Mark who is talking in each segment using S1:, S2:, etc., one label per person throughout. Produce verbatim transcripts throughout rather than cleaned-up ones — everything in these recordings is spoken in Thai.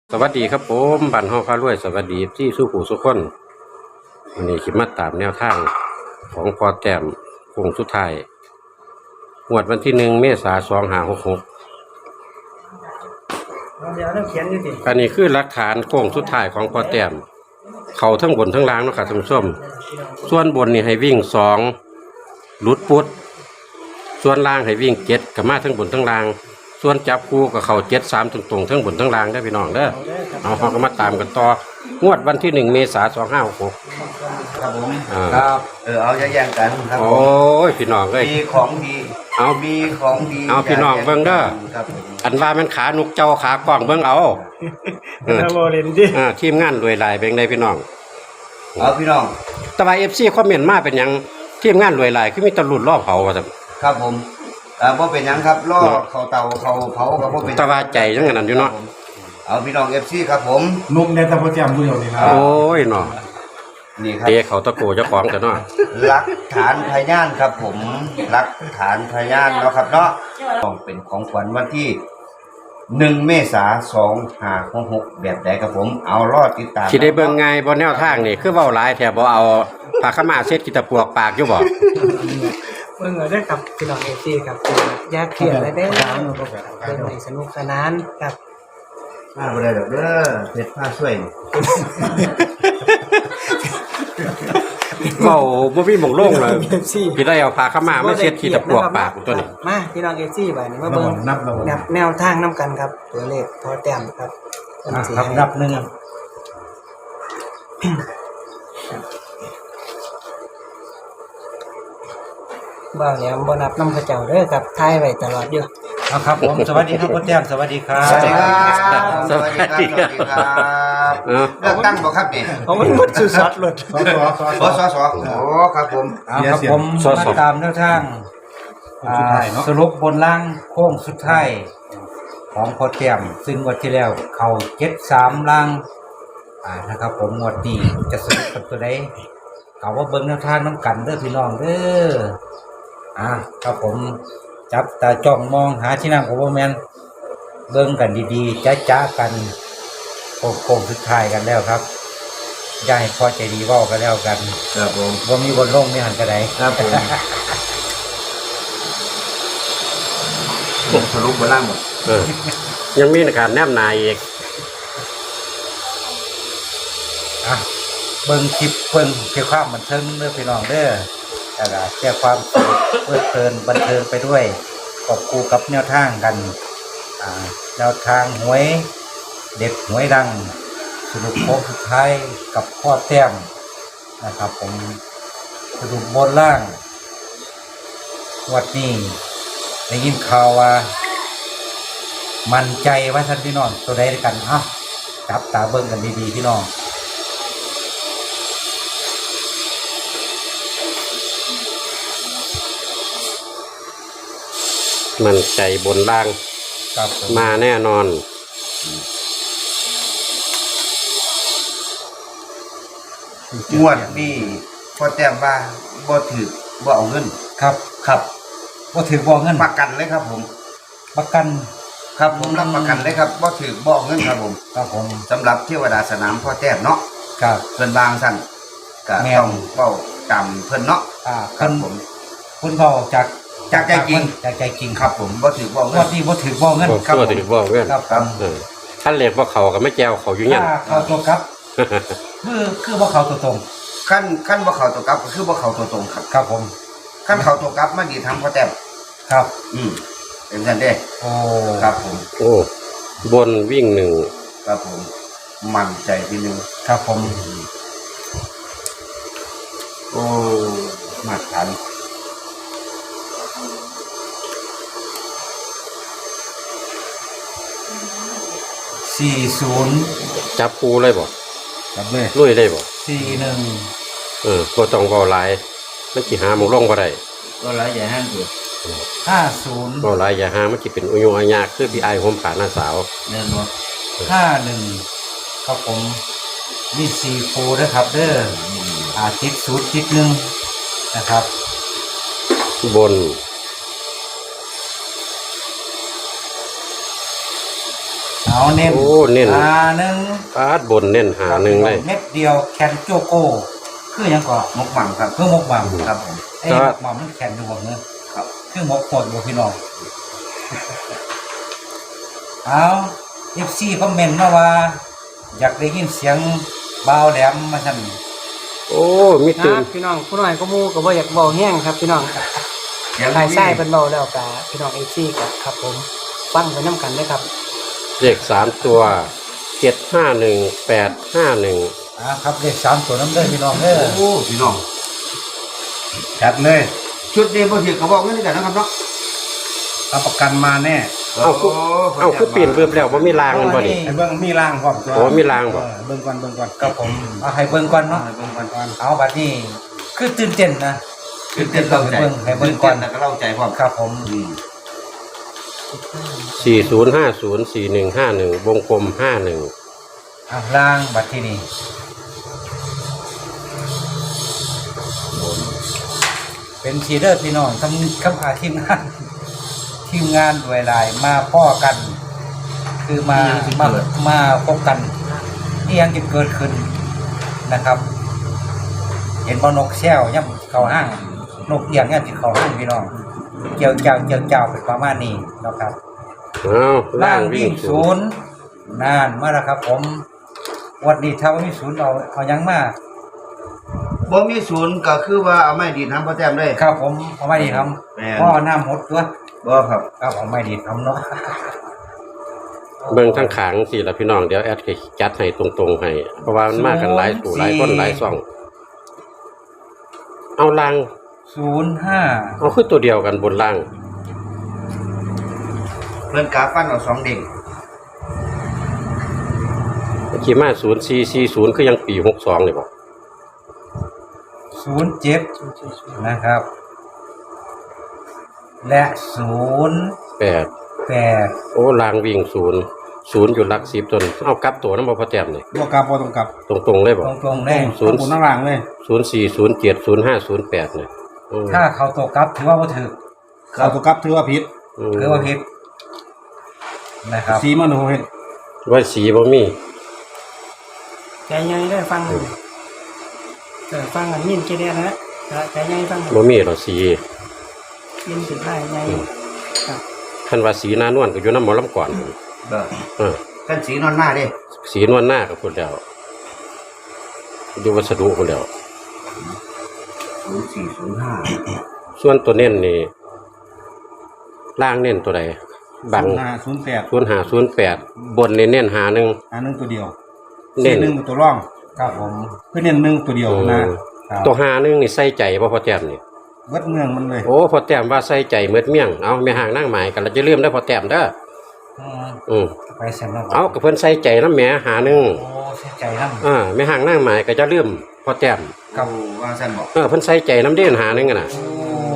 S1: สวัสดีครับผมบันห้องพารวยสวัสดีที่สู้ผู้สุขคนวันนี้คิดมาตามแนวทางของพอแต้มโค้งสุดท้ายงวดวันที่หนึ่งเมษายนสองห้าหกหก
S2: เดี๋ยวเราเขียนอยู่ดิ
S1: อันนี้คือหลักฐานโค้งสุดท้ายของพอแต้มเขาทั้งบนทั้งล่างนะครับท่านผู้ชมส่วนบนนี่ให้วิ่งสองลุดปุดส่วนล่างให้วิ่งเจ็ดกับมาทั้งบนทั้งล่างส่วนจับคู่กับเขาเจ็ดสามตรงๆทั้งบนทั้งล่างได้พี่น้องเด้อเอาเขาก็มาตามกันต่องวดวันที่หนึ่งเมษายนสองห้าหกหก
S3: ครับผม
S1: อ่า
S3: ครับเออเอาแย่งๆกันครับผ
S1: โอ้
S3: ม
S1: ยพี่น้องเอ้ย
S3: มีของดี
S1: เอา
S3: มีของดี
S1: เอาพี่น้องเบิ่งเด้อ
S3: ครับผม
S1: อันว่ามันขานุกเจ้าขากล้องเบิ่งเอาเออ
S2: เราโมเรนดิ
S1: อ่าทีมงานรวยหลายเป็นไงพี่น้อง
S3: เอาพี่น้อง
S1: แต่ว่า เอฟ ซี คอมเมนต์มาเป็นหยังทีมงานรวยหลายคือมีตะลุดรอบเผาว่าซั่น
S3: ครับผมเอ่าบ่เป็นหยังครับล่อเขาเตาเขาเผากับบ่เป็นหยัง
S1: แต่ว่าใจจังนั้นอยู่เนาะ
S3: เอาพี่น้อง เอฟ ซี ครับผม
S4: นุ่มในตะโพแจมผู้เดียวนี่นะ
S1: โอ้ยเนาะ
S3: นี่ครับ
S1: เตะเขาตะโกเจ้าของแต่เนาะ
S3: หลักฐานพยานครับผมหลักฐานพยานเนาะครับเนาะต้องเป็นของขวัญวันที่หนึ่งเมษายนสองห้าหกแบบใดครับผมเอารอดติดตาม
S1: สิได้เบิ่งไงบ่แนวทางนี่คือเว้าหลายแท้บ่เอาผ้าขาวมาเช็ดกีตะปวกปากอยู่บ่
S2: เมื่อได้ครับพี่น้องเอซีครับยาเขียนอะไรได้เป็นในสนุกสนานครับ
S3: มาบ่ได้ดอกเด้อเพชรผ้าช่วย
S1: เว้าบ่มีหม่องโล่งเลย
S2: เอฟซี
S1: พี่ได้เอาผ้าขาวมามาเช็ดกีตะปวกปากตัวนี้
S2: มาพี่น้องเอฟซีไปนี่มา
S4: ระ
S2: เบิ่
S4: บบ
S2: ง
S4: นับระบบ
S2: แนวแนวทางน้ำกันครับตัวเลขพอแต้มครับ
S4: ครับนับหนึ่ง
S2: บ้าแล้วบ่นับน้ำกระเจ้าเด้อครับทายไว้ตลอดอยู่
S4: เอาครับผมสวัสดีครับพ่อแจมสวัสดีครับ
S3: สวัสดีครับ
S1: สวัสดีครับ
S3: สวัสดีครับ
S1: เออ
S3: เลือกตั้งบ่ครับนี่
S2: เอามันหมดสุดสอดเลย
S4: สอสอสอ
S3: บสสโอ้ครับผม
S5: เอาครับผม
S1: สอสอ
S5: มาตามแนวทาง
S4: สุดท้ายเนาะ
S5: สรุปบนล่างโค้งสุดท้ายของพอแต้มซึ่งงวดที่แล้ว เขาเจ็ดสามล่างอ่านะครับ ผมงวดนี้จะสรุปเป็นตัวใดเขาว่าเบิ้งแนวทางน้ำกันเด้อพี่น้องเด้ออ่าครับผมจับตาจ้องมองหาที่นั่งของพ่อแมนเบิ้งกันดีๆจ้าจ้ากันโค้งโค้งสุดท้ายกันแล้วครับอย่าให้พอใจดีเว่ากันแล้วกัน
S3: ครับผม
S5: ว่ามีบนโลกมีหันกระได
S3: ครับผมผมสรุปบ่ล่างหมด
S1: เออยังมีการแนบนายอีก
S5: อ่ะเบิ่งคลิปเบิ่งเกี่ยวความบันเทิงเด้อพี่น้องเด้อแล้วก็แก้ความสนุกเพลิดเพลินบันเทิงไปด้วยกอบคู่กับแนวทางกันอ่าแนวทางหวยเด็ดหวยดังสรุปโค้งสุดท้ายกับพ่อแต้มนะครับผมสรุปบนล่างวัดนี้ได้ยินข่าวว่า มั่นใจว่าท่านพี่น้องตัวใดด้วยกันเอ้าจับตาเบิ่งกันดีๆพี่น้อง
S1: มันใจบนล่าง
S5: ครับผม
S1: มาแน่นอน
S3: งวดนี้พอแต้มว่าบ่ถือบ่เอาเงิน
S5: ครับ
S3: ครับ
S5: ว่าถือบ่เงิน
S3: ประกันเลยครับผม
S5: ประกัน
S3: ครับผมรับประกันเลยครับบ่ถือบ่เอาเงินครับผม
S5: ครับผม
S3: สำหรับเทวดาสนามพ่อแต้มเนาะ
S5: ครับ
S3: เพิ่นวางสั่นก็
S5: แม่น
S3: ต้องเว้าตามเพิ่นเนาะ
S5: อ่า
S3: ครั
S5: เพิ่
S3: บ
S5: น
S3: ผม
S5: เพิ่นบอกจาก
S3: จากใจจริง
S5: จากใจจริง
S3: ครับผมบ่ถือบ่เอา
S5: ง
S3: เงิ
S5: วัน ดนี้บ่ถือบ่เงิน
S1: โอ้
S5: ครับ
S1: ตัว
S5: ผม
S1: ถือบ่เว้น
S5: ครับครับ
S1: เออท่านเรียกว่าเขาก็ไม่แจวเขาอยู่เนี่ย
S5: ถ้าเข้าตัวครับคือคือบ่เข้าตัวตรง
S3: ขั้นขั้นบ่เข้าตัวกลับก็คือบ่เข้าตัวตรงครับ
S5: ครับผม
S3: ขั้นเข้าตัวกลับมันดีทำพ่อแต้ม
S5: ครับ
S3: อืมเป็นซั่นเด้
S5: โอ้
S3: ครับผม
S1: โอ้บนวิ่งหนึ่ง
S3: ครับผมมั่นใจทีนึง
S5: ครับผม
S3: โอ้มาตรฐาน
S5: สี่ศูนย์
S1: จับคูเลยบ่
S5: ครับเลย
S1: ลุยเลยบ่
S5: สี่หนึ่ง
S1: เออบ่ต้องเว้าหลายมันสิหาหมองลงบ่ได้
S3: ก็หลายใหญ่ห้างอยู่
S5: ห้าศูนย์
S1: เว้าหลายอย่าหามันสิเป็นอุยงอายากคือพี่อายห่มผ้าหน้าสาว
S3: แน่นอน
S5: ห้าหนึ่งครับผมมีสี่โฟนะครับเด้ออาทิตย์ศูนย์ทิศหนึ่งนะครับ
S1: บน
S5: เอาเอาเน้น
S1: โอ้เน้น
S5: หาหนึ่ง
S1: ปาดบนเน้นหาหนึ่งเลย
S5: เม็ดเดียวแคนโจโก้คือหยังก่อน
S3: มกหวังครับ
S5: คือหมกหม่ำ
S3: ครับผม
S5: ไอ้หมกหม่ำมันแคนดูบ่เนอะ
S3: ครับ
S5: คือหมกโคตรบ่พี่น้องเอาเอฟซีคอมเมนต์มาว่า อยากได้ยินเสียงเบาแหลมมาสั่น
S1: โอ้มี
S2: ค
S1: ตื่
S2: รั
S1: น
S2: บพี่น้องผู้น้อยก็หมู่ก็บ่อยากเว้าแห้งครับพี่น้อง
S3: เดี๋ยว
S2: ทายไส้เพิ่นเว้าแล้วก็พี่น้อง เอฟ ซีก็ครับผมฟังไปนํกันเด้อครับ
S1: เลขสามตัวเจ็ดห้าหนึ่งแปดห้าหนึ่ง
S5: อ่าครับเลขสามตัวน้ำเด้อพี่น้องเด้อ
S3: โอ้พี่น้อง
S5: จัดเลย
S3: ชุดนี้บ่ถือก็บอกเงินกันนะครับเนาะ
S5: รับประกันมาแน่
S1: เอาคือเอาคือปีนเบิ่มแล้วบ่มีรางมันบ่นี่
S4: ไอ้เบิ้งมีรางพร้อมตัว
S1: โอ้มีรางบ่
S4: เออเบิ้งก่อนเบิ้งก่อน
S5: ครับผมเอาให้เบิ่งก่อนเนาะ
S3: เบิ่งก่อน
S5: เอาบัดนี้คือตื่นเต้นนะ
S3: ตื่นเต้นเล่าใจ
S5: ให้เบิ่งให้เบิ่
S3: ตื่
S5: ง
S3: น
S5: ก่
S3: เต้
S5: อน
S3: นแล้วก็เล่าใจพร้อม
S5: ครับผม
S3: อืม
S1: สี่ศูนย์ห้าศูนย์สี่หนึ่งห้าหนึ่งวงกลมห้าหนึ่ง
S5: อ่ะล่างบัดที่นี่เป็นทีเดอร์พี่น้องทำคำอาทีมงาน ทีมงานด้วยลายมาพ่อกัน คือมามามาพบกันนี่ยังจะเกิดขึ้นนะครับ เห็นบอนกแซวย่ำเขาห้างนกเอียงย่ำจิเขาห้างพี่น้องเกี่ยวเจ้าเกี่ยวเจ้าเป็นประมาณนี้นะครับ
S1: เอาล่างวิ่งศู
S5: ศู
S1: นย์
S5: นย์นานมาแล้วครับ ผมวันนี้เท่ามีศูนย์เอาเอายังมา
S3: บ่มีศูนย์ก็คือว่าเอาไม้ดีดน้ำพ่อแต้มเลย
S5: ครับผมเอาไม่ดีท
S3: แม่น
S5: ำพ่อน้ำหดตัว
S3: บ่ครับ
S5: ครับเอาไม่ดีทำเนาะ
S1: เบิ่งทั้งขางสี่ละพี่น้องเดี๋ยวแอดจะจัดให้ตรงๆให้เพราะว่ามันมากันหลายสู่หลายคนหลายซ่อง เอาล่าง
S5: ศูนย์ห้า
S1: เอาคือตัวเดียวกันบนล่าง
S3: เพิ่นกาฟันเอาสองเด้ง
S1: ขี่มาศูนย์สี่สี่ศูนย์คือยังปีหกสองเลยบ่
S5: ศูนย์เจ็ดนะครับ และศูนย์
S1: แปด
S5: แปด
S1: โอ้ล่างวิ่งศูนย์ศูนย์อยู่หลักสิบจนเอากลับตัวน้ำบ่พอแต้มนี่
S4: บ่กลับบ่ต้องกลับ
S1: ตรงๆเลยบ่
S5: ตรงๆเลย
S1: ศูนย์
S4: บนข้างล่างเลย
S1: ศูนย์สี่ศูนย์เจ็ดศูนย์ห้าศูนย์แปดเนี่ยอืม
S5: ถ้าเขาตกกลับถือว่าบ่ถือ
S4: เอาตัวกลับถือว่าผิด
S1: อืม
S5: ถือว่าผิดนะครับ
S4: สีมันโหเห็น
S1: ว่าสีบ่มี
S2: ใจใหญ่ได้อฟังเออฟังอันยินเกเรนะใจใหญ่ฟัง
S1: บ่มีหรอกสี
S2: ยินสิได้ใหญ่ครับ
S1: คันว่าสีหน้านวลก็อยู่น้ำหมอลำก่อน
S3: เด้อ
S1: เออ
S3: ท่านสีนอนหน้าเด้
S1: สีนวลหน้าก็พูดแล้วอยู่วัสดุพูดแล้ว
S3: ศูนย์สี่ศูนย์ห้า
S1: ส่วนตัวเน้นนี่ล่างเน้นตัวใดบัง
S4: ศูนย์ห้าศูนย์แปด
S1: ศูนย์ห้าศูนย์แปดบนเน้นเน้นหาหนึ่ง
S4: อันนึงตัวเดียว
S1: เน้น
S4: หนึ่งตัวร่อง
S5: ครับผม
S4: เพื่อเน้นหนึ่งตัวเดียวนะ
S5: ครับ
S1: ตัวหาหนึ่งนี่ใส่ใจบ่พอแต้มนี่
S4: เบิดเมืองมันเลย
S1: โอ้พอแต้มว่าใส่ใจเมือดเมี่ยงเอาไม่ห่างนั่งหมายกันเราจะเลื่อมได้อพอแต้มเด้อ
S5: อืม
S1: อืม
S5: ไปเสร็จแล้ว
S1: เอากับเพิ่นใส่ใจน้ำแหมหาหนึ่ง
S5: โอ้เสียใจน้ำ
S1: อ่าไม่ห่างนั่งหมายก็จะเลื่อมพอแต้ม
S3: ครับว่าซั่นบอก
S1: เออเพิ่นใส่ใจน้ำเด่นหาหนึ่งอะน่ะ
S5: โอ้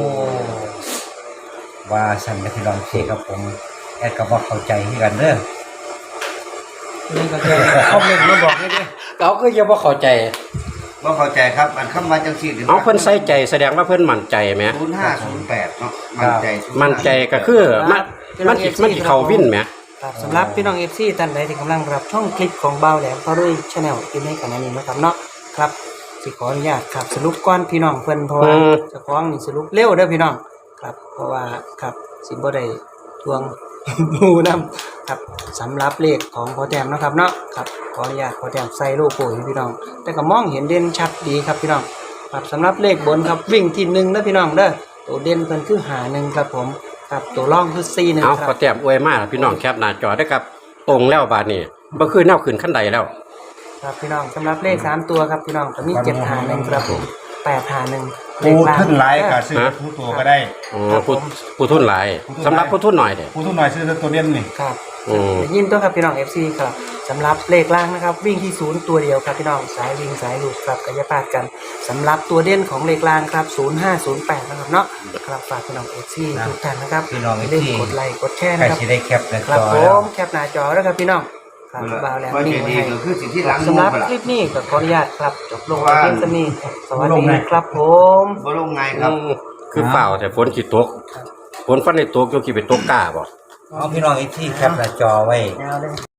S5: ว่าสันกับพี่รองเทครับผมแอดก็บอกเข้าใจที่กันเด้อ
S2: นี่ก็จะคอมเมนต์มาบอกให้ด้วย
S1: เขาก็ยังบ่เข้าใจ
S3: บ่เข้าใจครับอันคำว่าจังซี่
S1: เอาเพิ่นใส่ใจแสดงว่าเพิ่นมั่นใจไหม
S3: ศูนย์ห้าศูนย์แปดเนาะมั่นใจศูย์ห้า
S1: มั่นใจก็คือมันมันสิมันสิเข้าวินไหม
S2: ครับสำหรับพี่น้องเอฟซีท่านใดที่กำลังรับช่องคลิปของเบาแหลมพารุ่ยชาแนลที่ในขณะนี้นะครับเนาะครับสิขออนุญาตครับสรุปก้อนพี่น้องเพิ่นเพราะว่าเจะคล้าของนี่สรุปเร็วเด้อพี่น้องครับเพราะว่าครับสิบ่ได้ทวง หมูนํครับสำหรับเลขของพอแต้มเนาะครับเนาะครับขออนุญาตพอแต้มใส่โลโก้ให้พี่น้อง แต่ก็มองเห็นเด่นชัดดีครับพี่น้องครับสำหรับเลขบนครับวิ่งที่หนึ่งเด้อพี่น้องเด้อตัวเด่นเพิ่นคือหาหนึ่งครับผมครับตัวร่องคือสี่หนึ่ง
S1: เอา
S2: ค
S1: พ
S2: รั
S1: อบ แต้มอวยมากพี่น้องแคปหน้าจอได้ครับตรงแล้วบาดนี้บ่คือแนวขึ้นขั้นใดแล้ว
S2: ครับพี่น้องสำหรับเลขสามตัวครับพี่น้องก็มีเจ็ดหาหนึ่งครับผมแปดหาหนึ่ง
S4: ผู้ทุนหลายก็ซื้อผู้ตัวก็ได้
S1: อ๋อผู้ผู้ทุนหลายสำหรับผู้ทุนหน่อยเด้
S4: ผู้ทุนหน่อยซื้อตัวเน้นนี่
S2: ครับ
S1: อืม
S2: ได้ยินตัวครับพี่น้อง เอฟ ซี ครับสำหรับเลขล่างนะครับ วิ่งที่ศูนย์ตัวเดียวครับพี่น้องสายวิ่งสายลูกครับกายภาพกันสำหรับตัวเด่นของเลขล่างครับศูนย์ห้าศูนย์แปดนะครับเนาะครับฝากพี่น้อง เอฟ ซี ทุกท่านนะครับ
S5: พี่น้อง
S2: อย่า
S5: เอ
S2: ลื
S5: ฟ
S2: ม
S5: ซี
S2: กดไลค์กดแชร์
S5: ใคร
S2: นะครับ
S5: สิได้แคปหนะ
S2: ครับ
S5: จอ
S2: ผ
S5: แล้ว
S2: มแคปหน้าจอแล้วครับพี่น้องครับบ่าวแล้ว
S3: ว่า
S2: นิ่
S3: จะ
S2: งไว้
S3: ดี
S2: ให้
S3: ก็คือสิ่งที่หลัง
S2: สำหรับ
S3: นู่น
S2: คลิปนี้ก็ขออนุญาตครับจบลง
S3: ว่า
S2: เพียงเท่านี้สวัสดีครับผม
S3: บ่ลงไงครับ
S1: อืมคือเปล่าแต่ฝนสิตกฝนฟันในตกโยคิไปตกกล้าบ่
S5: เอาพี่น้องเอฟซีแคปหน้าจอไว้
S2: ยาวเลย